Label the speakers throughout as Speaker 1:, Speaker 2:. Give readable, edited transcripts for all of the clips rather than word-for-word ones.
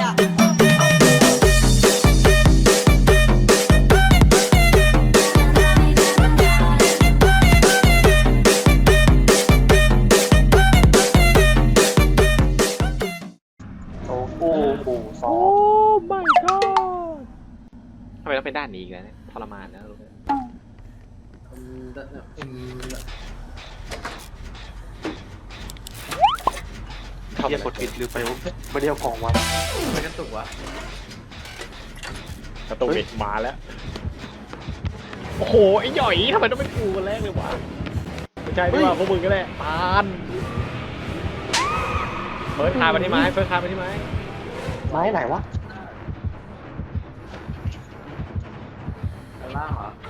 Speaker 1: โอ้โหซอ
Speaker 2: โอ้ my god ทำไมต้องเป็นด้านนี้อีกแล้วเนี่ยทรมานนะรู้ไหม
Speaker 1: เรียกกดผิดหรือไปไม่ได้เอาของวะ
Speaker 3: ไม่กระตุกวะ
Speaker 2: กระตุกอีกมาแล้วโอ้โหไอ้หย่อยทำไมต้องเป็นกูคนแรกเลยวะไม่ใช่ดีกว่าพวกมึงก็ได้ปานเฟิร์สคาร์มาที่ไม้เฟิร์สคาร์มาที่ไม้
Speaker 1: ไม้ไหนวะ
Speaker 3: ด้านล่างเหรอ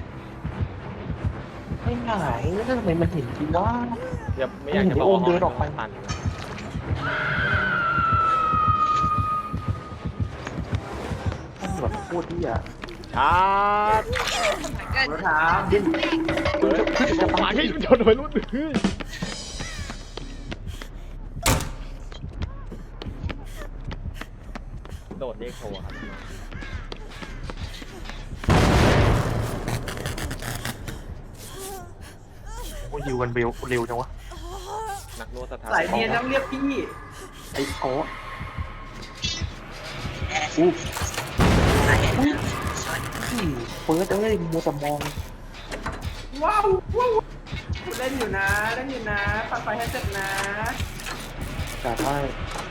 Speaker 1: ไม่ไหนแล้วทำไมมันเห็นจริงวะ
Speaker 2: อย่าไม่อยากจะบอก
Speaker 1: โอมเดินออกไป
Speaker 2: ตัน
Speaker 1: มันแบบพูดที่อ่ะ
Speaker 2: ชาร์จ
Speaker 3: รถถัง
Speaker 1: ดิ้น
Speaker 2: เฟิร์สจะปาให้ชนไปรุ่นเฮ้ยโดดเรียกโทรครับ
Speaker 1: โอ้ยิวกันเร็วจังวะ
Speaker 2: นักนวดสถาน
Speaker 3: สายเนียนต้องเรียกพี่
Speaker 1: ไอ้โก้อู้เปิดเอ้ยมัวแต่มอง
Speaker 3: ว้าวว้าวเล่นอยู่นะเล่นอยู่นะปัดไฟให้เสร็จนะ
Speaker 1: แต่ถ้า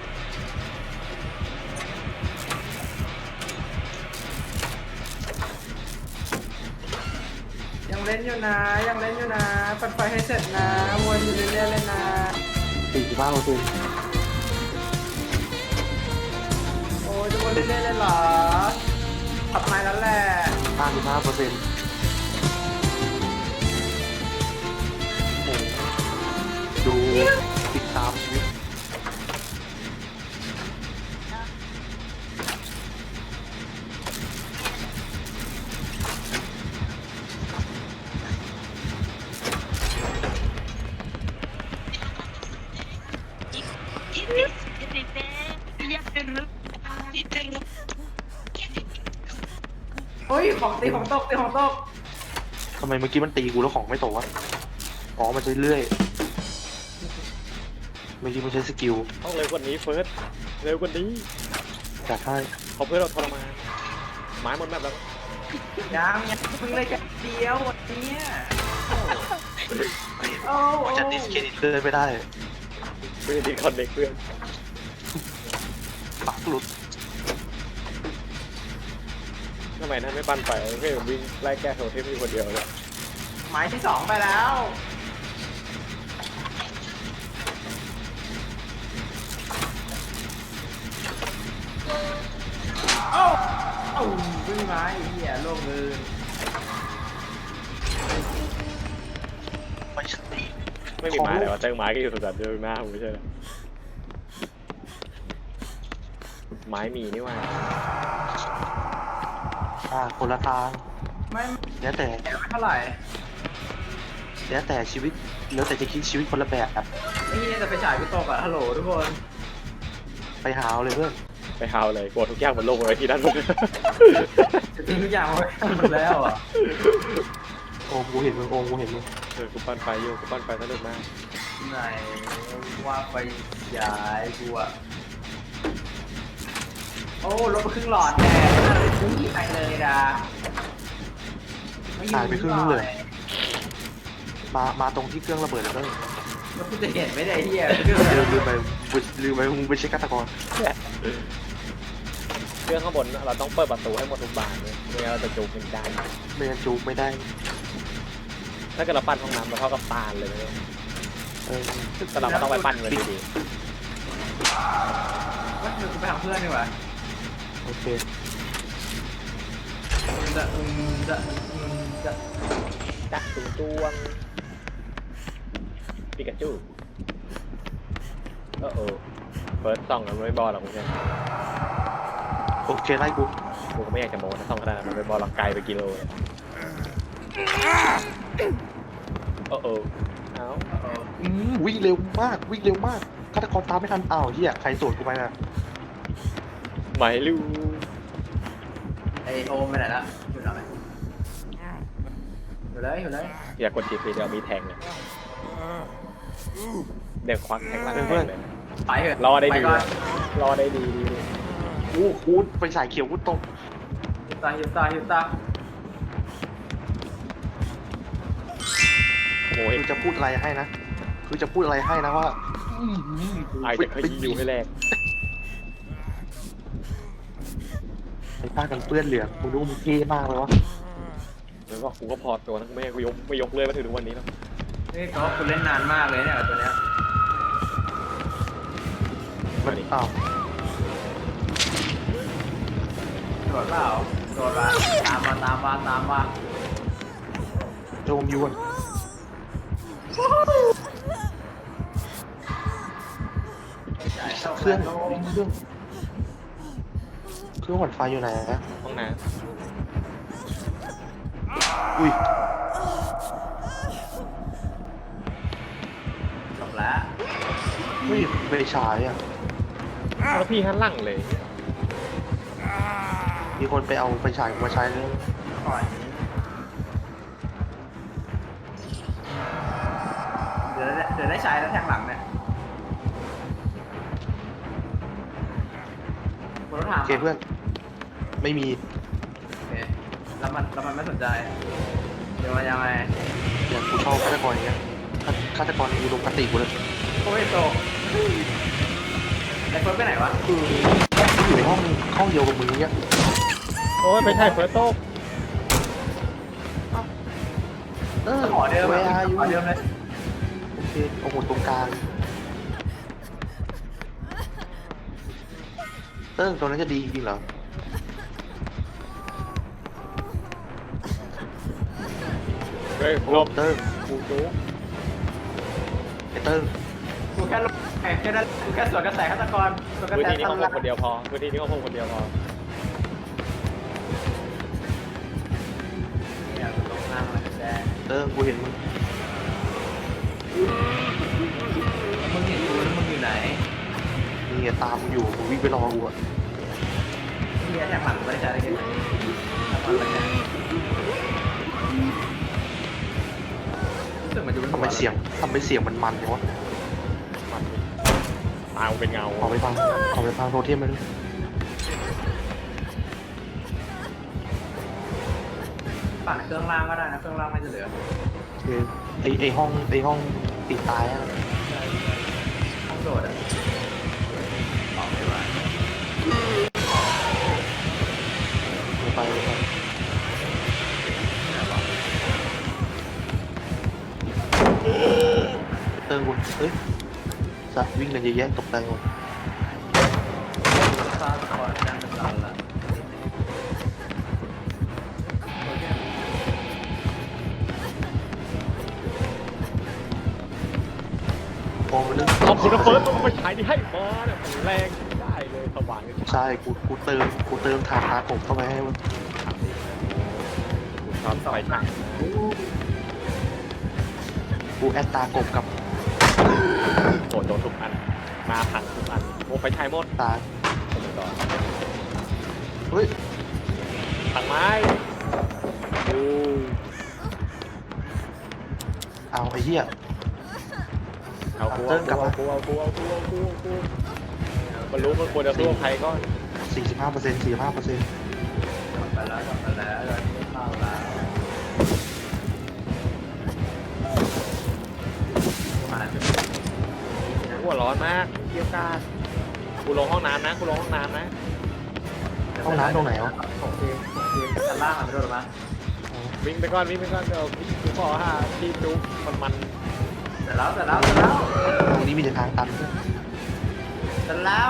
Speaker 3: ยังเล่นอยู่นะยังเล่นอยู่นะปัดไฟให้เสร็จนะวนอยู่เรื่อยๆเลยนะ
Speaker 1: 45%
Speaker 3: โอ้ยจะวนเรื่อยๆเลยเหรอขับไม้แล้วแหละ
Speaker 1: 55%ดูติดตามชีวิต
Speaker 3: เฮ้ยของตีของตกตีของตก
Speaker 1: ทำไมเมื่อกี้มันตีกูแล้วของไม่ตกวะอ๋อมันใช้เลื่อยเมื่อกี้มันใช้สกิล
Speaker 2: ต้องเร็วกว่านี้เฟิร์สเร็วกว่านี้
Speaker 1: จัดให้
Speaker 2: เขาเพื่อเราทรมานไม้หมดแบบแล้ว
Speaker 3: ยังเพิ่งเลยแค่เดียววันนี้โอ้
Speaker 1: มันจะดิสเครดิตเลื่อยไม่ได้
Speaker 2: เพื่อนดีคอนเด็กเพื่อน
Speaker 1: ปักหลุด
Speaker 2: ทำไมนั่นไม่ปั้นไปเพื่อนวิ่งไล่แก้โทเทมอยู่คนเดียวเลย
Speaker 3: หมายที่สองไปแล้วโอ้โอ้ขึ้นมาไอ้เหี้ยโลกเลย
Speaker 1: ไม่ใช่
Speaker 2: ไม่มีไม้เลยวะเจอไม้ก็อยู่สุดสัปดาห์หน้าผมไม่ใช่เหรอไม้มีนี่ว่า
Speaker 1: คนละทาง
Speaker 3: ไม่
Speaker 1: แล้วแต่
Speaker 3: เท่าไหร่
Speaker 1: แล้วแต่ชีวิตแล้วแต่จะคิดชีวิตคนละแบบครับ
Speaker 3: ไอ้เหี้ยจะไปฉายกูตกอ่ะฮัลโหลทุกคน
Speaker 1: ไปหาเอาเลยเพื่อน
Speaker 2: ไปฮาวเลยกลัวทุกอย่างมันลงไว้ที่ด้านบน
Speaker 3: จะทิ้งทุกอย่างไว้หมดแล้วอ่ะ
Speaker 1: โอมกูเห็นมึงโอมกูเห็นมึง
Speaker 2: กูปั้นไฟอยู่กูปั้นไฟสนุกมาก
Speaker 3: ไหนว่าไปฉายกูอ่ะโอ้ลดไปครึ่งหลอดแน่ไม่มีใครเลยนะ
Speaker 1: หายไปครึ่งนึงเลยมาตรงที่เครื่องระเบิดแล้วเพื่อน
Speaker 3: แล้วกูจะเห็นไหมเนี่ยไอ้เหี้ย
Speaker 1: ลืมไปมึงไปเช็คฆาตกร
Speaker 2: เครื่องข้างบนเราต้องเปิดประตูให้หมดทุกบานเลยไม่งั้นเราจะจูบกันได้
Speaker 1: ไม่งั้นจูบไม่ได้
Speaker 2: ถ้าเกิดเราปั้นห้องน้ำเราเท่ากับตาลเลยนะเนี่ย
Speaker 1: เออ
Speaker 2: แต่เราก็ต้องไปปั้นเงินดี
Speaker 3: ว่าเดี๋ยวกูไปหาเพื่อนดีกว่า
Speaker 1: โอเค
Speaker 3: จะ
Speaker 2: ๆจักตุ้งตวงปิกาจูเเฟิร์สส่องกันไม่บอลหรอกคุณเช่น
Speaker 1: โอเคไล่กู
Speaker 2: กูก็ไม่อยากจะโม้นะส่องขนาดนั้นมันไม่บอลหรอกไกลไปกิโลเลยเอา
Speaker 1: วิ่งเร็วมากฆาตกรตามไม่ทันอ้าวเฮียใครสวนกูไปน่ะ
Speaker 2: ไม่รู้
Speaker 3: ไอโอมไปไหนละอยู่ไหนอยู่เลย
Speaker 2: อย่ากดจีบเดี๋ยวมีแทงเนี่ยเดี๋ยวควักแทงหลังแทงเลย
Speaker 3: ไปเถอะ
Speaker 2: รอได้ดี
Speaker 3: ปก่อน
Speaker 2: รอได้ดี
Speaker 1: อู้กูไปสายเขียวกูตก
Speaker 3: หิวตา
Speaker 2: โอ้ย
Speaker 1: คือจะพูดอะไรให้นะคือจะพูดอะไรให้นะว่า
Speaker 2: ไอจะขยี้อยู่ให้แรก
Speaker 1: ไอ้ผ้ากันเปื้อนเหลืองมึงดูมึงเท่มากเลยวะ
Speaker 2: แล้วก็กูก็พอตัวทั้งแม่กูไม่ยกเลยมาถึงวันนี้แล้ว
Speaker 3: นี่ก็คุณเล่นนานมากเลยเนี่ยตัวเนี้ย
Speaker 1: มันอ้าว
Speaker 3: โดดเปล่าโดดละตามมา
Speaker 1: โจมยวนเครื่องหวั่นไฟอยู่ไหนนะ
Speaker 2: ห้องน้
Speaker 1: อุ้ย
Speaker 3: จบแล้ว
Speaker 1: ไม่ไปฉายอ่ะ
Speaker 2: ำแล้วพี่หันหลังเลย
Speaker 1: มีคนไปเอาไปฉายมาใช้เลย
Speaker 3: ก่อนเดี๋ยวได้ใช้แล้วแทงหลังเนี่ยคุณต้องถาม
Speaker 1: โอเคเพื่อน ไม่มี
Speaker 3: โอเคแล้วมันไม่สนใจเดี๋ยวมันยังไง
Speaker 1: อย่างกูชอบฆาตกรอย่างเงี้ยฆาตกรในอุดมคติกูเลย
Speaker 3: โอ้ยโตไอ้เฟิร์สไปไหนวะ
Speaker 1: คืออยู่ในห้องเดียวกับมึงเนี้ย
Speaker 2: โอ้ยไม่ใช่เฟิร์สโต๊ะ
Speaker 3: ขอเดิม
Speaker 1: เวลาอยู่
Speaker 3: ขอเดิมเลย
Speaker 1: โอเคโอ้โหตรงกลางตรงนั้นจะดีจริงเหรอ
Speaker 2: เฮ้ยหลบ
Speaker 1: เติ้ง
Speaker 2: กูจู๊
Speaker 1: ไอ้เติ้ง
Speaker 3: กูแค่ลงแค่นั้นกูแค่สวนกระแสฆาตกรสวนกระ
Speaker 2: พื้น
Speaker 3: แส
Speaker 2: ที่นี้
Speaker 3: ต
Speaker 2: ห้อง
Speaker 3: ลาด
Speaker 2: คนเดียวพอพื้นที่นี้ห้องคนเดียวพอ
Speaker 3: เนี่ยกูตกน้ำอะไรแดง
Speaker 1: เติ้งกูเห็นมึง
Speaker 3: มึงเห็นกูแล้วมึงอยู่ไหน
Speaker 1: มีเงี้ยตามมึงอยู่มึงวิ่งไปรอกูอะ
Speaker 3: ที่แทงหลังไม่ได้ใช้อะไรกันทำอะไรเนี่ยรู้สึกมันจะเป็น
Speaker 1: ทำไมเสียงมันเนี่ยวะ
Speaker 2: มันตาเป็นเงา
Speaker 1: ขอไปฟังโทเทมมันด้วย
Speaker 3: ปั่นเครื่องล่างก็ได้นะเครื่องล่างไม่จะเหลือ
Speaker 1: คือไอห้องติดตายอะ
Speaker 3: ห้องโดดอ่ะออกไม่ไหว
Speaker 1: ไปเติ้งกูเฮ้ยสัตว์วิ่งกันเยอะแยะตกใจหมด
Speaker 3: ซาสปอร์ตยังเป็นตันละโอเค
Speaker 1: มองมันนึง
Speaker 2: ขอบคุณนะเฟิร์สต้องไปฉายที่ให้มาเนี่ยแรงได้เลยสว่างเลย
Speaker 1: ใช่กูเติมทาตาผมเข้าไปให้มัน
Speaker 2: ชอบไฟฉาย
Speaker 1: กูแอดตากบกับ
Speaker 2: โดนทุกอันมาพังทุกอันโอ้ไฟฉายหมด
Speaker 1: ตา
Speaker 2: ต่อ
Speaker 1: เฮ้ย
Speaker 2: ทางไม้ดู
Speaker 1: เอาไอ้เหี้ย
Speaker 2: เอากูมันรู้มันควรจะสู้ใครก็
Speaker 1: 45% 45%
Speaker 3: กลับไปแล้วตอนนี้เข้าแล้วมาจุด
Speaker 2: หัวร้อนมากเกี่ยวกาดกูลงห้องน้ำนะกูลงห้องน้ำนะ
Speaker 1: ห้องน้ำตรงไหนวะ
Speaker 3: ของทีมชั้นล่างอ่ะไม่โดนหรอมั้ง
Speaker 2: วิ่งไปก่อนเดี๋ยวกูขอหาที่จุ๊บมัน
Speaker 3: เสร็จแล้ว
Speaker 1: ตรงนี้มีแต่ทางตันด้วย
Speaker 3: เสร็จแล้ว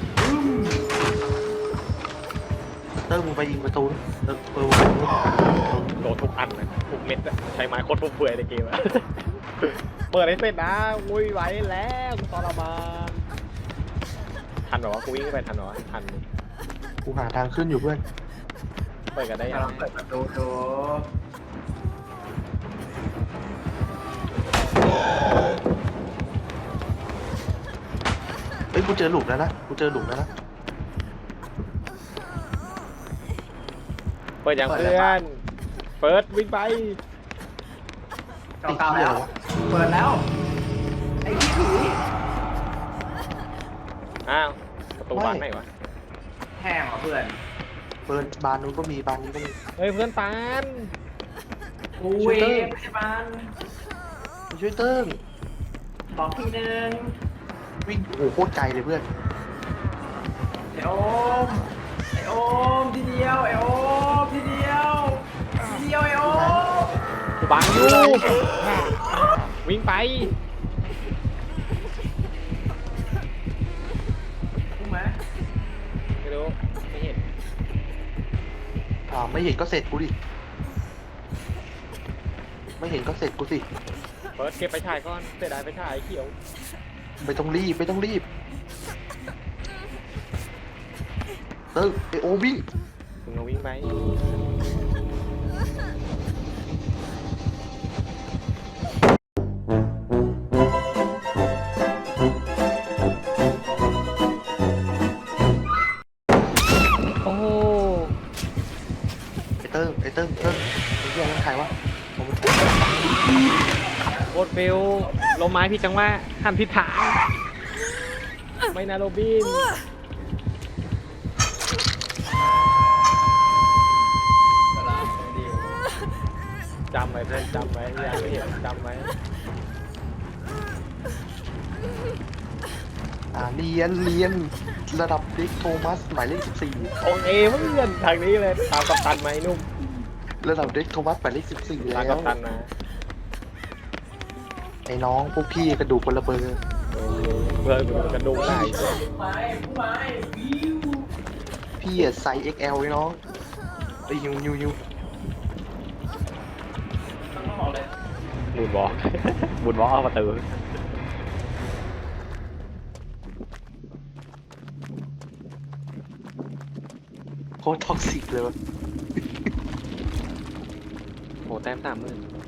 Speaker 1: เติ้งมึงไปยิงประตูนะเออ
Speaker 2: โดนทุกอันเลยทุกเม็ดอะใช้ไม้โคตรฟุ่มเฟือยในเกมอะ เปิดให้เสร็จนะอุ้ยไหวแล้วกูทรมานทันเหรอวะกูวิ่งไปทันเหรอวะทัน
Speaker 1: กูหาทางขึ้นอยู่เพื่อน
Speaker 2: เปิดกันได้ยัง
Speaker 3: ลองเปิดประตูดู
Speaker 1: เฮ้ยกูเจอหลุมแล้วนะ
Speaker 2: เปิดอย่างเพื่อน เปิดวิ่งไป
Speaker 3: เก่าๆแล้ว เปิดแล้ว ไอ้พี่ผี
Speaker 2: อ้าวประตูบานไหนวะ
Speaker 3: แห้งเหรอเพื่อน
Speaker 1: เปิดบานนู้นก็มีบานนี้ก็มี
Speaker 2: เฮ้ยเพื่อนปาน
Speaker 3: กูเวฟพยาบาล
Speaker 1: มาช่วยเติ้ง
Speaker 3: บอกทีนึง
Speaker 1: วิ่งโอ้โหโคตรไกลเลยเพื่อน
Speaker 3: ไอโอม ไอโอมทีเดียว ไอโอมทีเดียว ทีเดียวไอโอม
Speaker 2: กูบังอยู่วิ่งไป
Speaker 3: รู้ไหม
Speaker 2: ไม่รู้ไม่เห็น
Speaker 1: ไม่เห็นก็เสร็จกูดิไม่เห็นก็เสร็จกูสิ
Speaker 2: เปิดเก็บไปฉายก่อนเสียดายไปฉายเขียว
Speaker 1: ไม่ต้องรีบไม่ต้องรีบเติ้งไอโอวิ่ง
Speaker 2: มึงเอาวิ่งไปโอ้
Speaker 1: ไอเติ้งไอเติ้งไอเหี้ยนั่นใครวะผมเป็น
Speaker 2: โคตรเฟลลมไม้ผิดจังหวะหันผิดทาง ไม่นะโรบิน จำไว้เพื่อนจำไว้อย่าไม่เห็นจำไว้
Speaker 1: เรียนระดับเด็กโทมัสหมายเลข14
Speaker 2: โอเคเพื่อนทางนี้เลยตามกัปตันไหมนุ่ม
Speaker 1: ระดับเด็กโทมัสหมายเลข14
Speaker 2: ตาม
Speaker 1: แล้
Speaker 2: กั
Speaker 1: ว
Speaker 2: ปตันมา
Speaker 1: ไอ้น้องพวกพี่กระดูกคนละเบอร์
Speaker 2: เพื่อนกระดุมได้
Speaker 3: ผู้ไม้ผู้ไม้วิว
Speaker 1: พี่ไซส์ XL ไอ้น้องไอ้ยู
Speaker 3: ต้องบอกเลย
Speaker 2: บุญบอล บุญบอลเอาประตู
Speaker 1: โคตรท็อกซิกเลยวะ
Speaker 2: โหแต้ม30,000